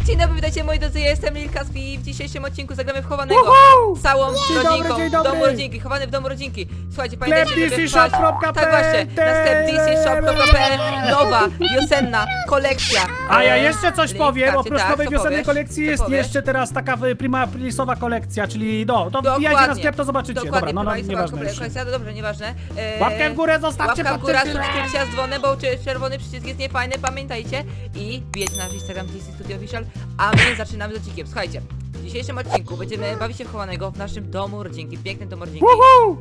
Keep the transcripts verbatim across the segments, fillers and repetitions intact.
Dzień dobry, witajcie moi drodzy, ja jestem Lil Kaspi i w dzisiejszym odcinku zagramy w chowanego Woohoo! całą Dzień rodzinką dobry, dzień w dobry. domu rodzinki, chowany w domu rodzinki. Słuchajcie, pamiętajcie, Sklep żeby D C shop wpaść... kropka Tak właśnie, na sklep D C shop kropka p l nowa, wiosenna kolekcja. A ja E, jeszcze coś link w powiem, karcie. oprócz Tak, nowej co wiosennej powiesz? kolekcji Co jest powiesz? jeszcze teraz taka w- prima aprilisowa kolekcja, czyli no, to Dokładnie. wbijajcie na sklep, to zobaczycie. Dokładnie, Dobra, no, no prima nieważne kolekcja, już. kolekcja, dobrze, nieważne. E, Łapkę w górę zostawcie Łapka w pod górę, tym filmem. subskrypcja z dzwonem, bo czy- czerwony przycisk jest niefajny, pamiętajcie. I wbijajcie na nasz Instagram D C Studio Official, a my zaczynamy z odcinkiem. Słuchajcie, w dzisiejszym odcinku będziemy bawić się w chowanego w naszym domu rodzinki, pięknym domu rodzinki. Woohoo!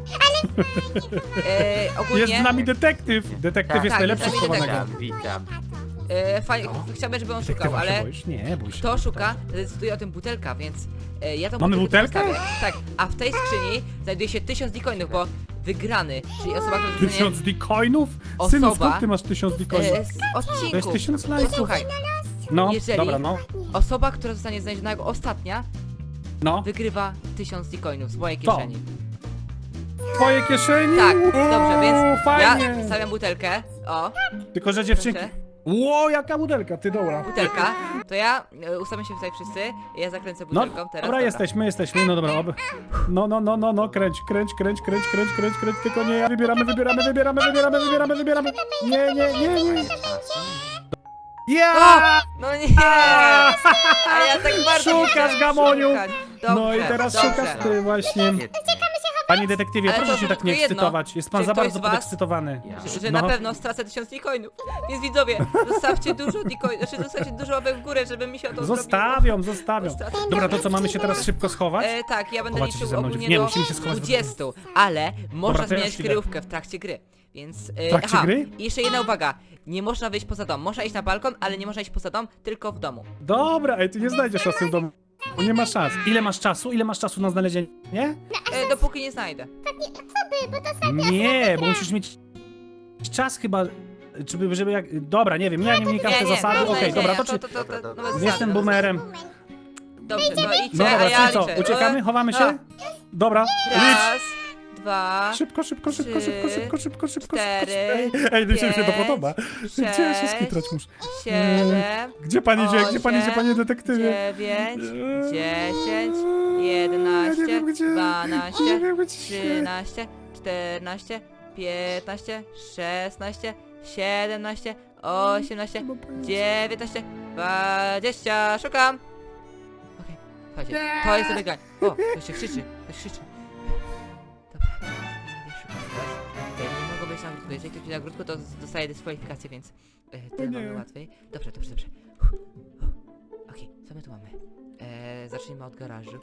E, ogólnie... Jest z nami detektyw. Detektyw Tak, jest tak, najlepszy jest z z nami chowanego. Witam, witam. E, faj... Chciałbym, żeby on szukał, Detektywa się ale boisz? Nie, bój się. kto szuka, decyduje o tym butelka, więc e, ja tą Mamy butelkę butelkę? postawię. Tak, a w tej skrzyni znajduje się tysiąc decoinów, bo wygrany, czyli osoba, która dostanie Tysiąc decoinów? Osoba- Synu, skąd ty masz tysiąc decoinów? e, z odcinku. To jest tysiąc lajków. Posłuchaj, No, jeżeli- dobra, no. osoba, która zostanie znaleziona jako ostatnia, No, wygrywa tysiąc decoinów z mojej To. kieszeni. twoje kieszeni? Tak, Uuu, dobrze, więc fajnie. ja stawiam butelkę, o, Tylko, że dziewczynki... proszę. Ło, jaka butelka, ty dobra. butelka, to ja, e, ustawmy się tutaj wszyscy, ja zakręcę No, butelką teraz. dobra, jesteśmy, jesteśmy, no dobra, ob... no, no, no, no, no, kręć, kręć, kręć, kręć, kręć, kręć, kręć, tylko nie, ja wybieramy, wybieramy, wybieramy, wybieramy, wybieramy, wybieramy, nie, nie, nie, nie, ja! No nie! A ja tak bardzo nie Szukasz, chciałem Gamoniu. szukać. No i Dobrze, teraz dobrze. szukasz ty właśnie. Panie detektywie, Ale proszę to się tak nie tylko jedno. ekscytować, jest pan Czy za ktoś bardzo z was- podekscytowany. Ja. Że, że No. na pewno stracę tysiąc decoinów. Więc widzowie, zostawcie dużo decoinów, znaczy zostawcie dużo łapek w górę, żeby mi się o to Zostawią, zostawią. Zostawią. Dobra, to co, mamy się teraz szybko schować? E, tak, ja będę Chowacie się liczył ze mną, ogólnie nie, do musimy się schować w dwudziestu, ale można Dobra, to ja zmieniać już idę. kryjówkę w trakcie gry. Więc. E, W trakcie gry? I jeszcze jedna uwaga. Nie można wyjść poza dom. Można iść na balkon, ale nie można iść poza dom, tylko w domu. Dobra, ej, ty nie znajdziesz czasu w domu. Nie ma szans. Ile masz czasu? Ile masz czasu na znalezienie? Nie? E, dopóki nie znajdę. Nie, bo musisz mieć czas chyba, żeby, żeby jak... Dobra, nie wiem, ja nie wnikam w te Nie, nie, zasady, do okej, dobra, znalezienia, to czy... to, to, to, to, nowe zasady, Jestem nowe boomerem. zasady. Dobrze, no idźcie, No a dobra, ja czyli co, liczę. uciekamy? E, Chowamy no. się? Dobra, licz! Raz, dwa, Szybko, szybko, szybko, szybko, szybko, szybko, szybko, cztery, szybko. Ej, mi się to pięć, podoba. Gdzie ja się sześć, skitrać muszę? siedem, Gdzie pan idzie? Gdzie pan idzie, osiem, panie detektywie? dziewięć, Eee, dziesięć, ja nie jedenaście, wiem gdzie, nie dwanaście, wiem gdzie. trzynaście, czternaście, piętnaście, szesnaście, siedemnaście, osiemnaście, dziewiętnaście, dwadzieścia. Szukam! Okej, słuchajcie, to jest zabieganie. O, ktoś się krzyczy, ktoś krzyczy. Dobra, nie szukam teraz. Ej, nie mogą być na ogródku. Jeżeli ktoś będzie na ogródku, to z- dostaje dyskwalifikację, więc e, tyle nie. mamy łatwiej. Dobrze, dobrze, dobrze. Uff, uff. Okej, co my tu mamy? E, zacznijmy od garażu.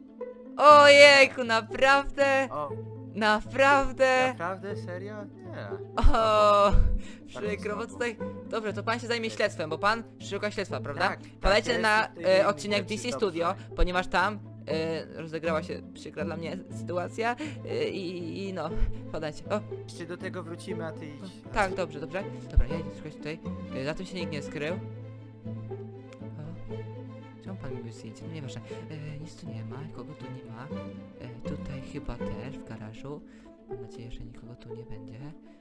Ojejku, naprawdę? O, Naprawdę? naprawdę? Serio? Nie. O, przykro, bo tutaj... Dobrze, to pan się zajmie śledztwem, bo pan szuka śledztwa, prawda? Tak, tak, Padajcie ja na jestem w tej e, odcinek D C dobrze. Studio, ponieważ tam e, rozegrała się przykra dla mnie sytuacja e, i, i no, podajcie. O, Jeszcze do tego wrócimy, a ty idź. tak, dobrze, dobrze. Dobra, ja idę szukać tutaj. E, za tym się nikt nie skrył. O, czemu pan mi zdjęcie? No nieważne. E, nic tu nie ma, kogo tu nie ma. E, tutaj chyba też, w garażu. Mam nadzieję, że nikogo tu nie będzie.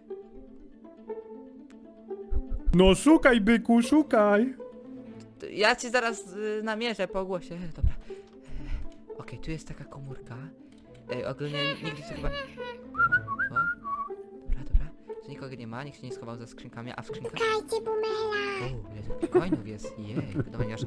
No szukaj, byku, szukaj. To ja ci zaraz y, namierzę po głosie. E, dobra. E, Okej, tu jest taka komórka. E, ogólnie nigdy tu chyba... O, dobra, dobra. Że nikogo nie ma, nikt się nie schował za skrzynkami, a w skrzynkach... Szukajcie Bumela! O, ile tu bitcoinów jest, jej, dobra, nie aż...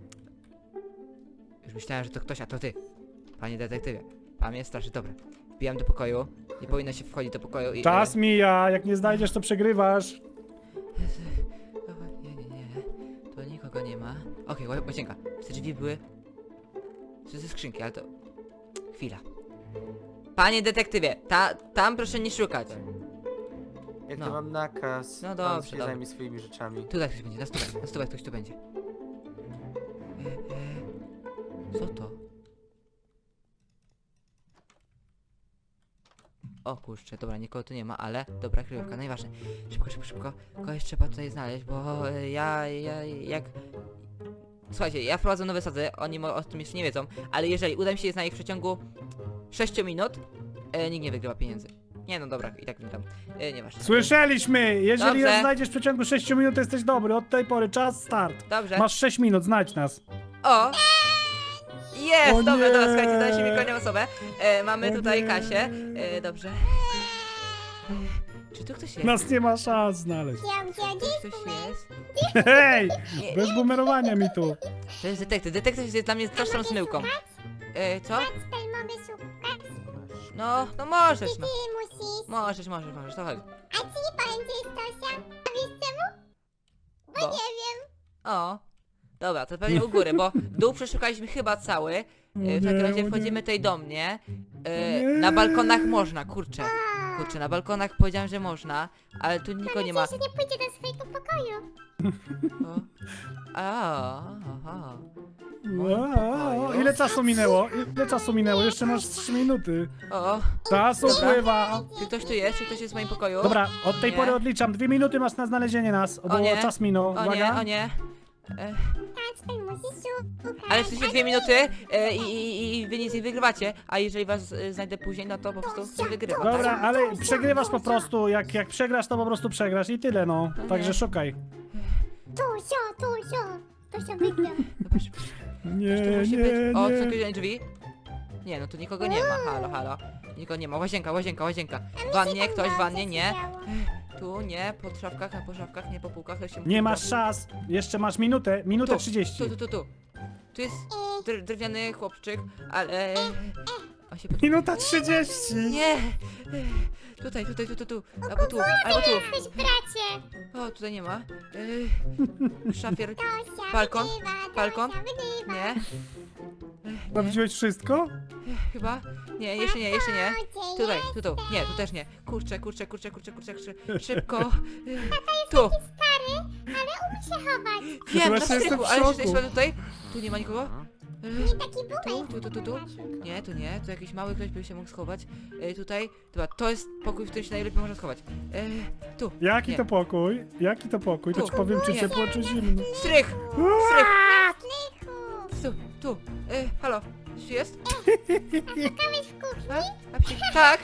Już myślałem, że to ktoś, a to ty. Panie detektywie, pan mnie straszy, dobra. Wbijam do pokoju, nie powinno się wchodzić do pokoju i... Czas mija, jak nie znajdziesz, to przegrywasz. O, nie, nie, nie, to nikogo nie ma. Okej, okay, łazienka, te drzwi były... To ze skrzynki, ale to... Chwila. Panie detektywie, ta, tam proszę nie szukać. Jak No. to mam nakaz, No pan dobrze, się dobrze. zajmie swoimi rzeczami. Tutaj ktoś będzie, na stówę, na stówę ktoś tu będzie. E, e, co to? O kurczę, dobra, nikogo tu nie ma, ale dobra, kryjówka, najważniejsze. Szybko, szybko, szybko. Kogoś trzeba tutaj znaleźć, bo e, ja, ja, jak... Słuchajcie, ja wprowadzę nowe sady, oni mo- o tym jeszcze nie wiedzą, ale jeżeli uda mi się je znaleźć w przeciągu sześciu minut, e, nikt nie wygrywa pieniędzy. Nie no dobra, i tak mi tam. E, nieważne. Słyszeliśmy! Jeżeli Dobrze. nas znajdziesz w przeciągu sześciu minut, to jesteś dobry. Od tej pory czas start. Dobrze. Masz sześć minut, znajdź nas. O! Jest! O Dobra, nie! dobra, słuchajcie, daliście mi kolejną osobę. E, mamy O tutaj nie! Kasię. E, dobrze. Czy tu ktoś jest? Nas nie ma szans znaleźć. Gdzie, gdzie, Tu gdzie? ktoś jest? Hej! Nie. Bez bumerowania mi tu. To jest detektyw. Detektyw jest dla mnie straszną zmyłką. E, co? Kacper, mamy szukać. No, no możesz, Ty no. musisz. Możesz, możesz, możesz, to chodź. A ci nie powiem, gdzie jest Tosia. A wiesz czemu? Bo Bo? nie wiem. O. Dobra, to pewnie u góry, bo dół przeszukaliśmy chyba cały. E, w takim nie, razie o wchodzimy nie. tutaj do mnie. E, Nie. na balkonach można, kurczę. Kurczę, na balkonach powiedziałem, że można, ale tu nikogo nie ma. Że nie pójdzie do swojego pokoju. O. A, aha. O, ile czasu minęło? Ile czasu minęło? Jeszcze masz trzy minuty. O, Czas Dobra. upływa. czy ktoś tu jest? Czy ktoś jest w moim pokoju? Dobra, od tej Nie. pory odliczam. Dwie minuty masz na znalezienie nas, bo nie. czas minął. O nie, Uwaga. o nie. E, Kacper, musisz szukać. ale w sensie dwie minuty e, i, i, i wy nic nie wygrywacie, a jeżeli was e, znajdę później, no to po prostu się wygrywa. tak? Dobra, ale przegrywasz po prostu. Jak, jak przegrasz, to po prostu przegrasz i tyle, no. No Także nie. szukaj. Tosia, Tosia. Tosia wygra. Dobra, szybko. Nie, Tu musi nie, być. O, nie. są jakieś drzwi? Nie, no tu nikogo nie ma. Halo, halo. Nikogo nie ma. Łazienka, łazienka, łazienka. W wannie, ktoś w wannie, nie. Tu nie, po szafkach, po szafkach, nie po półkach. to się Nie po masz prostu- szans. Jeszcze masz minutę. Minutę Tu, trzydzieści. Tu, tu, tu, tu. Tu jest dr drewniany chłopczyk, ale... On się pod... Minuta trzydzieści. Nie! Tutaj, tutaj, tu, tu, tu. Albo tu, albo tu. Jesteś bracie. O, tutaj nie ma. Yy, szafier. Tosia Balkon? wygrywa. Balkon? Tosia wygrywa. Nie. Sprawdziłeś wszystko? Chyba? Nie, jeszcze nie, jeszcze nie. Gdzie Tutaj, jest? tu, tu. Nie, tu też nie. Kurczę, kurczę, kurczę, kurczę, kurczę, kurczę. Szybko. Yy, tu. Stary, ale umie się chować. Wiem, na Właśnie jestem strychu, w ale szoku. jeszcze tutaj. Tu nie ma nikogo. Yy, Nie taki Tu, bubek. tu, tu, tu, tu. Nie, tu nie, tu jakiś mały ktoś by się mógł schować. E, tutaj, dobra, to jest pokój, w którym się najlepiej można schować. E, tu. Jaki nie. to pokój? Jaki to pokój? To Tu. ci powiem, czy Nie. ciepło, czy zimno. Strych! Strych! Tu, tu. E, halo, czy jest? Szukałeś w kuchni? A, a przy... Tak!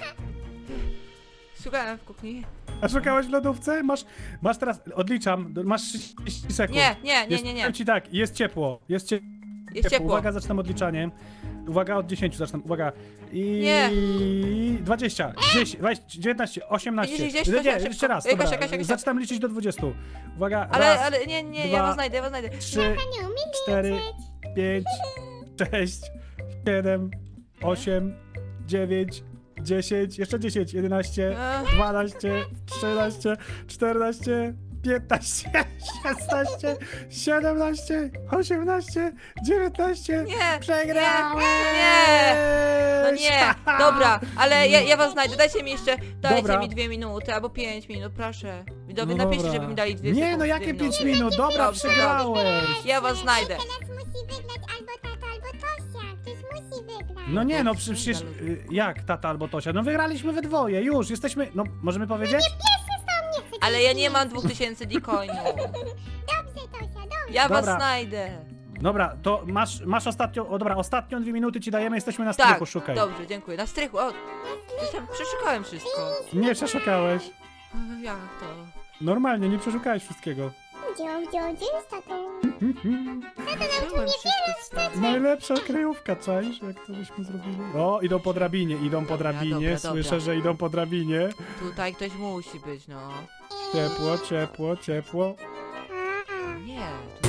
Szukałem w kuchni. A szukałeś w lodówce? Masz, masz teraz, odliczam, masz trzydzieści sekund. Nie, nie, nie, Jest, nie, nie. powiem ci tak, jest ciepło, jest ciepło. Jest ciepło. Uwaga, zaczynam odliczanie. Uwaga, od dziesięciu zaczynam, uwaga. I... Nie. dwadzieścia, dziesięć, dwadzieścia, dziewiętnaście, osiemnaście. Gdzieś, gdzieś, nie, Kasia, nie, szybko. jeszcze raz, Ej, dobra. Kasia, Kasia, Kasia. Zaczynam liczyć do dwudziestu. Uwaga, Ale, raz, ale, nie, nie, ja dwa, was znajdę, ja was znajdę. trzy, Nie umie cztery, liczyć. pięć, sześć, siedem, osiem, dziewięć, dziesięć, jeszcze dziesięć, jedenaście, E, dwanaście, trzynaście, czternaście, piętnaście, szesnaście, siedemnaście, osiemnaście, dziewiętnaście. nie, Przegrałeś! nie. No nie, dobra, ale ja, ja was znajdę, dajcie mi jeszcze, dajcie Dobra. mi dwie minuty, albo pięć minut, proszę. Widzowie, No napiszcie, dobra. żeby mi dali dwie Nie, sekundy, no dwie jakie minuty. pięć minut? Dobra, Dobrze, przegrałeś! Ja was znajdę. Teraz musi wygrać albo tata, albo Tosia. Ktoś musi wygrać. No nie, no przecież y, jak tata albo Tosia? No wygraliśmy we dwoje, już, jesteśmy, no możemy powiedzieć? Pierwszy stał nie chce. Ale ja nie mam dwóch tysięcy D-coinów. Dobrze, Tosia, dobrze. Ja was Dobra. znajdę. Dobra, to masz, masz ostatnią, o dobra, ostatnią dwie minuty ci dajemy, jesteśmy na Tak, strychu, szukaj. dobrze, dziękuję. Na strychu, o, przecież przeszukałem wszystko. Nie przeszukałeś. O, jak to? Normalnie, nie przeszukałeś wszystkiego. Gdzie, gdzie, gdzie jest tato? Przeszukałem wszystko. stary. Najlepsza kryjówka, czaisz, jak to byśmy zrobili? O, idą po drabinie, idą po Dobra, drabinie, dobra, słyszę, dobra. że idą po drabinie. Tutaj ktoś musi być, no. Ciepło, ciepło, ciepło. Nie. Tu...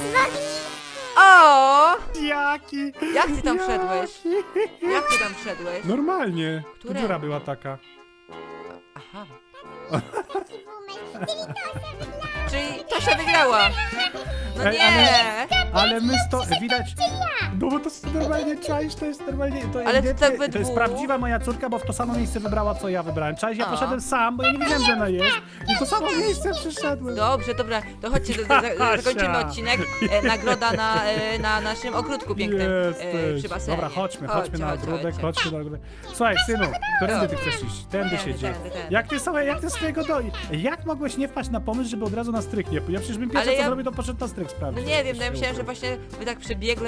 O! Jaki? Jak ty tam wszedłeś? Jaki? Jak ty tam wszedłeś? Normalnie. Które? Dziura była taka. Aha. Taki bumer. Czyli Tosia wygrała. Czyli Tosia wygrała. No Ej, nie. Ale my sto... widać... No bo to jest normalnie, czaisz, to jest normalnie... To, Ale to tak we to jest dwóch. prawdziwa moja córka, bo w to samo miejsce wybrała, co ja wybrałem. Czaisz, ja A. poszedłem sam, bo ja nie wiedziałem, że ona jest. I w to samo miejsce przyszedłem. Dobrze, dobra, to chodźcie, do, do, do, Kasia. zakończymy odcinek. E, nagroda na, e, na naszym ogródku pięknym e, Jesteś. przy basenie. Dobra, chodźmy, chodźmy na chodźcie, ogródek, chodźcie. chodźmy na ogródek. Słuchaj, synu, którędy ty Dobra. chcesz iść? Tędy Tędy, się idzie. tędy, tędy. Jak ty sobie, jak ty swojego do... Jak mogłeś nie wpaść na pomysł, żeby od razu na stryk nie pójść? Ja przecież bym pierwsze Ale co ja- zrobił, to poszedł na stryk No sprawdzić. nie jak wiem, to no ja się myślałem, że uda. właśnie wy tak przebiegle, wy nie I pójdziecie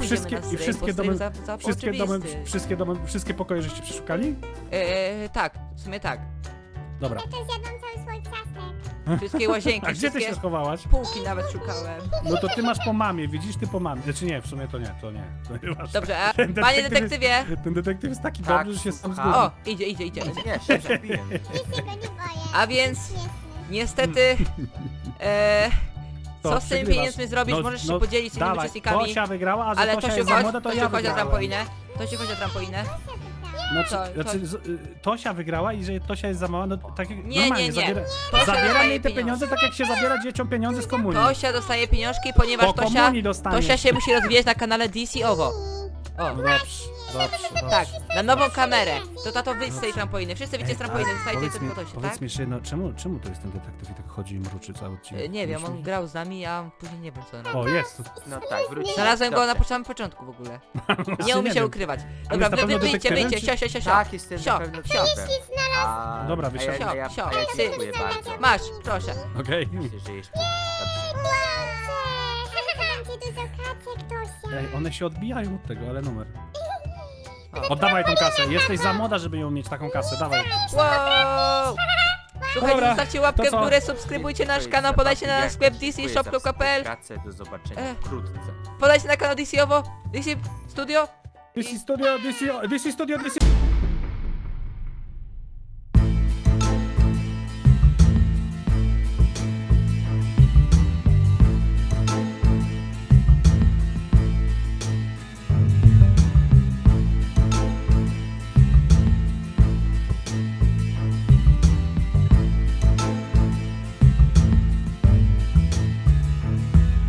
wszystkie, na i wszystkie Rainbow domy, Save za, za wszystkie domy, oczywisty. wszystkie domy, wszystkie pokoje żeście przeszukali? E, tak, w sumie tak. Dobra. Ja też jadłam cały swój ciastek. Wszystkie łazienki, A gdzie ty wszystkie się schowałaś? półki nawet szukałem. No to ty masz po mamie, widzisz, ty po mamie. Znaczy nie, w sumie to nie, to nie. To nie masz. Dobrze, a Ten panie detektyw detektywie! Ten detektyw jest taki Tak, dobry, że się sam słucham. zgubił. O, idzie, idzie, idzie. idzie. Nie, się przebiję. Już się go nie boję. A więc Śmieszny. niestety... E, To co z tymi przegrywasz. pieniędzmi zrobić? No, Możesz no, się podzielić z innymi dawaj, uczestnikami. Tosia wygrała, a że Ale Tosia to się jest za chodź, młoda, to to ja się chodź na wygrałem. trampolinę. To się chodź na trampolinę. Znaczy, To- to- znaczy z, y, Tosia wygrała i że Tosia jest za mała, no tak jak Nie, normalnie nie, nie. zabiera, Tosia zabieram dostaje jej te pieniądze. pieniądze, tak jak się zabiera dzieciom pieniądze z komunii. Tosia dostaje pieniążki, ponieważ Po Tosia, komunii dostanie. Tosia się musi rozwijać na kanale D C Owo. O, No dobrze, dobrze, dobrze. tak, na nową kamerę. To tato wyjdź z tej trampoliny. Wszyscy widzicie z trampoliny, dostajecie powiedz mi, tylko Tosię, powiedz tak? mi jeszcze jedno, czemu, czemu to jest ten detektyw i tak chodzi i mruczy cały odcinek? E, Nie wiem, Myślisz? on grał z nami, a później nie wiem co on robi. O, jest. No tak, wrócimy. Znalazłem go na Dobrze. samym początku w ogóle. Właśnie Nie umie się wiem. ukrywać. jest Dobra, na wy, pewno wy, wyjdźcie, detektywem, wyjdźcie, czy- sio, sio, sio, sio. Tak, jestem Sio, na pewno sio. psem. A, Dobra, a ja, wysiadaj. a ja, Sio, a ja sio. dziękuję bardzo. Masz, proszę. Okej. Myślę, że jeszcze... Dobrze. Łączę! Będzie dużo kaczek, Tosia. Ej, one się odbijają od tego, ale numer. O. Oddawaj tą kasę, jesteś za młoda, żeby ją mieć taką kasę, dawaj. Wow! Słuchajcie, Dobra, zostawcie łapkę to w co? górę, subskrybujcie nasz Twojej kanał, podajcie na zabawy. nasz sklep Dziękuję d c za shop kropka p l, współpracę. Do zobaczenia E. wkrótce. podajcie na kanał D C Owo, D C Studio. D C Studio, D C, D C Studio, D C